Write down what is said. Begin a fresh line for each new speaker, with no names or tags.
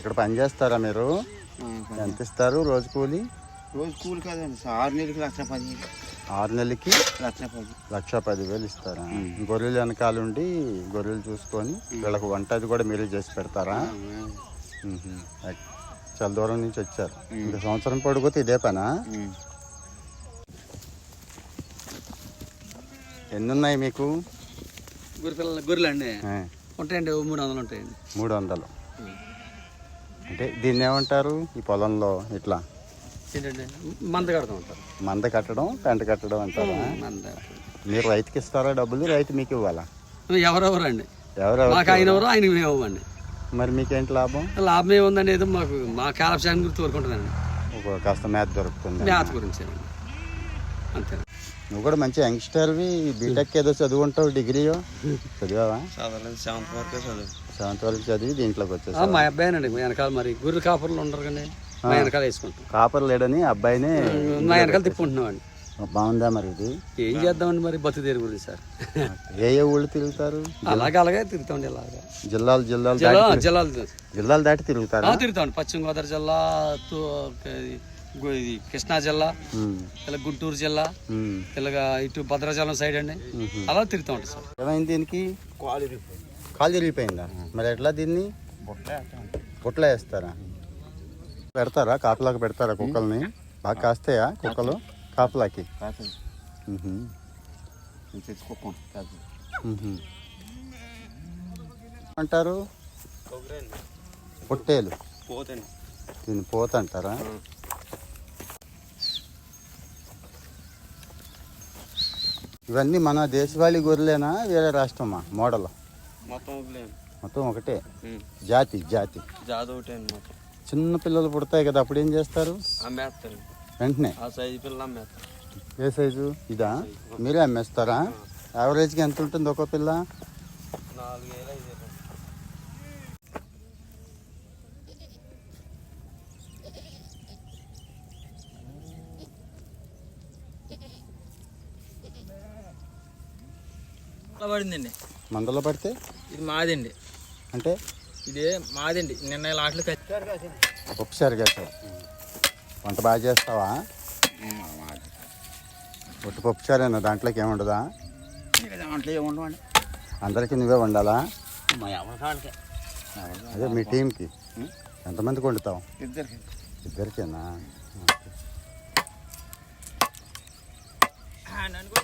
ఇక్కడ పని చేస్తారా మీరు? ఎంత ఇస్తారు రోజు కూలి?
రోజు కూలి కాదండి, 6 నెలలకి 1,10,000.
6 నెలలకి
1,10,000.
1,10,000 ఇస్తారా? గొర్రెలు వెనకాల ఉండి గొర్రెలు చూసుకొని వీళ్ళకి వంట అది కూడా మీరే చేసి పెడతారా? చాలా దూరం నుంచి వచ్చారు. ఇంకా సంవత్సరం పడిపోతే ఇదే పనా? ఎన్ని ఉన్నాయి మీకు?
గొర్రెలు అండి ఉంటాయండి, 300 ఉంటాయండి.
300. అంటే దీన్ని ఏమంటారు ఈ పొలంలో? ఇట్లా
ఏంటంటే మంద కడతాం అంటారు.
మంద కట్టడం, పెంట కట్టడం అంటారా? మీరు రైతుకి ఇస్తారా డబ్బులు? రైతు మీకు ఇవ్వాలా?
ఎవరెవరు అండి,
ఎవరెవరు?
మాకు ఆయన ఎవరో ఆయనకి మేము ఇవ్వండి.
మరి మీకేంటి లాభం?
లాభం ఏముందండి, ఏదో మాకు మా కాలక్షేమం గురించి కోరుకుంటుందండి.
ఒక కాస్త మేత దొరుకుతుంది.
మేత గురించి అంతే.
నువ్వు కూడా మంచి యంగ్స్టర్వి. బీటెక్ ఏదో చదువుకుంటావు, డిగ్రీయో చదివావా? 7th వరకు చదివి దీంట్లోకి వచ్చేసా?
మా అబ్బాయినండి వెనకాల, మరి గొర్రెలు కాపర్లు ఉండరు కండి, మా వెనకాల వేసుకుంటాం.
కాపర్ లేడని అబ్బాయినే
మా వెనకాల తిప్పుకుంటున్నామండి.
బాగుందా మరి ఇది?
ఏం చేద్దామండి మరి బతుకు దేని గురించి సార్.
ఏ ఊళ్ళు తిరుగుతారు?
అలాగే తిరుగుతామండి. ఇలాగా
జిల్లాలు జిల్లాలు దాటి తిరుగుతారా?
తిరుగుతామండి. పశ్చిమ గోదావరి జిల్లా, ఇది కృష్ణా జిల్లా, ఇలా గుంటూరు జిల్లా, ఇలాగా ఇటు భద్రాచలం సైడ్ అండి, అలా తిరుగుతా ఉంటాం సార్.
ఏమైంది దీనికి? కాలు తిరిగిపోయిందా? మరి ఎట్లా దీన్ని బుట్టలో వేస్తారా? పెడతారా కాపలాకి పెడతారా కుక్కల్ని? బాగా కాస్తాయా కుక్కలు కాపలాకి? అంటారు పొట్టేలు, దీన్ని పోత అంటారా? ఇవన్నీ మన దేశవాళీ గొర్రెలేనా వేరే రాష్ట్రమా మోడల్? మొత్తం ఒకటే జాతి. చిన్న పిల్లలు పుడతాయి కదా, అప్పుడు ఏం చేస్తారు? వెంటనే ఏ సైజు? ఇదా? మీరే అమ్మేస్తారా? యావరేజ్గా ఎంత ఉంటుంది ఒక పిల్ల?
4 పడిందండి.
మందలో పడితే
ఇది మాదండి.
అంటే
ఇదే మాదండి. నిన్న లాట్లు
ఒకసారి కదా. వంట బాగా చేస్తావా? ఒట్టి పప్పుచారేనా? దాంట్లోకి ఏముండదా?
దాంట్లో ఏముండవండి.
అందరికీ నువ్వే వండాలా?
మా ఎవరి
అదే మీ టీంకి ఎంతమందికి వండుతావు?
ఇద్దరికి.
ఇద్దరికేనా?